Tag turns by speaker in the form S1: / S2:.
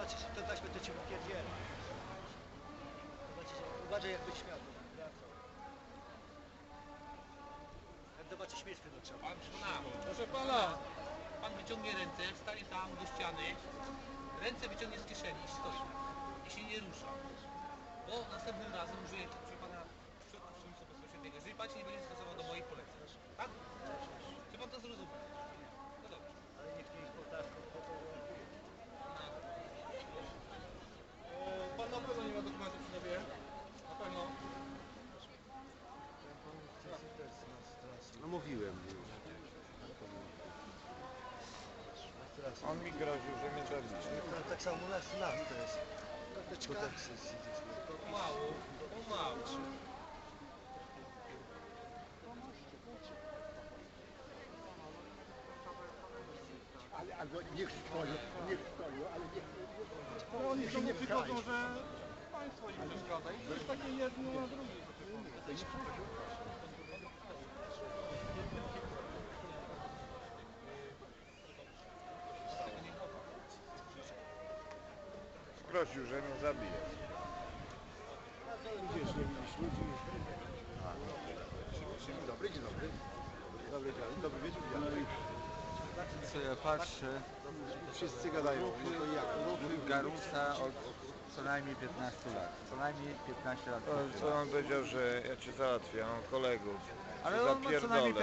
S1: zobaczysz, to taśmy to cię wypierdziela. Zobaczysz, uważaj jak byś śmiał. Jak zobaczy śmierć wtedy trzeba.
S2: Pan przekonał.
S3: Proszę pana!
S2: Pan wyciągnie ręce, stanie tam do ściany, ręce wyciągnie z kieszeni i stoi. I się nie rusza. Bo następnym razem użyję proszę pana przymusu bezpośredniego. Jeżeli pan się nie będzie stosował do moich poleceń. Tak? Czy pan to zrozumie? No dobrze.
S1: Ale niech nie powtarzał.
S3: Pan na pewno nie ma dokumentów przy sobie? Na pewno.
S4: No mówiłem.
S5: On mi groził, że mnie zabić.
S1: To tak samo u nas to jest.
S4: To tak siedzieliśmy.
S2: Pomału, pomału.
S4: Ale niech stoją, ale niech...
S3: No oni do mnie przychodzą, że państwo im przeszkadza. I to jest takie jedno, a drugie.
S4: To nie przychodził.
S5: Groził, że mnie zabije.
S4: Widzisz, nie widzisz ludzi. Dzień dobry, dzień dobry. Dobry wieczór, dzień.
S6: Co ja patrzę,
S4: Wszyscy gadają, no to jak?
S6: Garusa od co najmniej 15 lat. Co najmniej 15 lat.
S5: Co on powiedział, że ja cię załatwię, ja mam kolegów.
S6: Ale
S5: Cię
S6: on ma co najmniej
S5: zapierdolę.